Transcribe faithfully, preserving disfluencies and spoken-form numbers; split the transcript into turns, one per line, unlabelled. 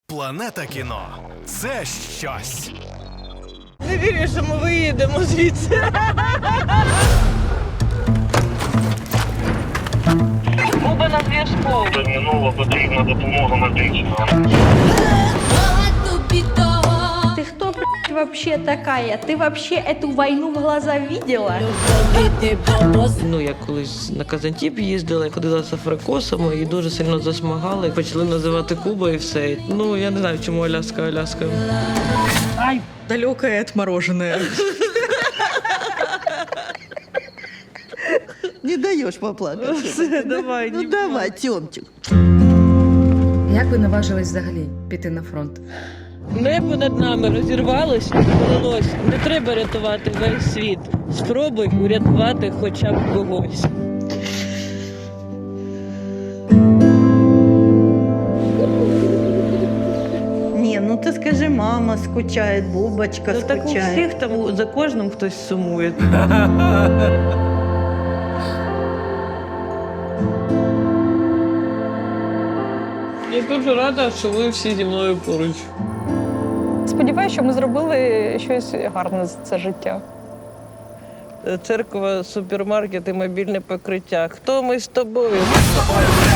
Планета кіно – це щось.
Не вірю, що ми виїдемо звідси. Буба на зв'язку.
Терміново потрібна допомога медична.
Ты кто, блядь, вообще такая? Ты вообще эту войну в глаза видела?
Ну, я колись на Казантіп їздила, ходила з африкосами і дуже сильно засмагали. Почали називати Куба і все. Ну, я не знаю, чому Аляска, Аляска.
Ай, далекое отмороженное.
Не даешь поплакать.
Все, давай,
Ну
не
давай, Тёмчик.
Як ви наважились взагалі піти на фронт?
Небо над нами розірвалось і полилось. Не треба рятувати весь світ. Спробуй урятувати хоча б когось.
Не, ну ты скажи, мама скучает, Бубочка
Ну так у
скучает.
всіх там за кожним хтось сумує. Я дуже рада, що ви всі зі мною поруч.
Сподіваюся, що ми зробили щось гарне за це життя.
Церква, супермаркет і мобільне покриття. Хто ми з тобою?